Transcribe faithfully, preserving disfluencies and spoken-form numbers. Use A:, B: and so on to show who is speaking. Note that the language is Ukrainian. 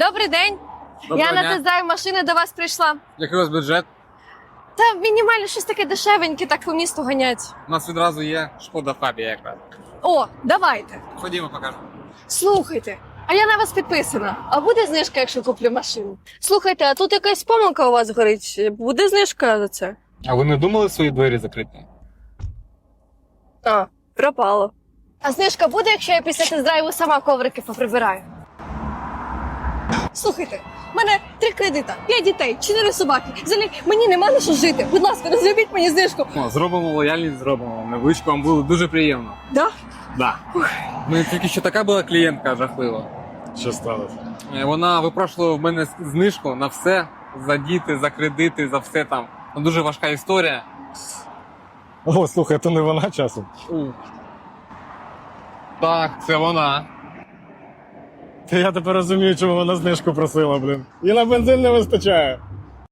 A: Добрий день.
B: Доброго
A: Я на
B: дня.
A: тест-драйв машини до вас прийшла.
B: Який у вас бюджет?
A: Та мінімально щось таке дешевеньке, так по місту ганять.
B: У нас відразу є Шкода Фабія якраз.
A: О, давайте.
B: Ходімо, покажемо.
A: Слухайте, а я на вас підписана. А буде знижка, якщо куплю машину? Слухайте, а тут якась помилка у вас горить. Буде знижка за це?
B: А ви не думали свої двері закрити?
A: А, пропало. А знижка буде, якщо я після тест-драйву сама коврики поприбираю? Слухайте, в мене три кредита, п'ять дітей, чотири собаки. Взагалі, мені нема на що жити. Будь ласка, розробіть мені знижку.
B: О, зробимо лояльність, зробимо. Невеличку вам було дуже приємно.
A: Да?
B: Да. Ну, тільки що така була клієнтка жахлива.
C: Що сталося?
B: Е, Вона випрошувала в мене знижку на все, за діти, за кредити, за все там. Ну, дуже важка історія.
C: О, слухай, то не вона часом.
B: У. Так, це вона.
C: Та я тепер розумію, чому вона знижку просила, блін. І на бензин не вистачає.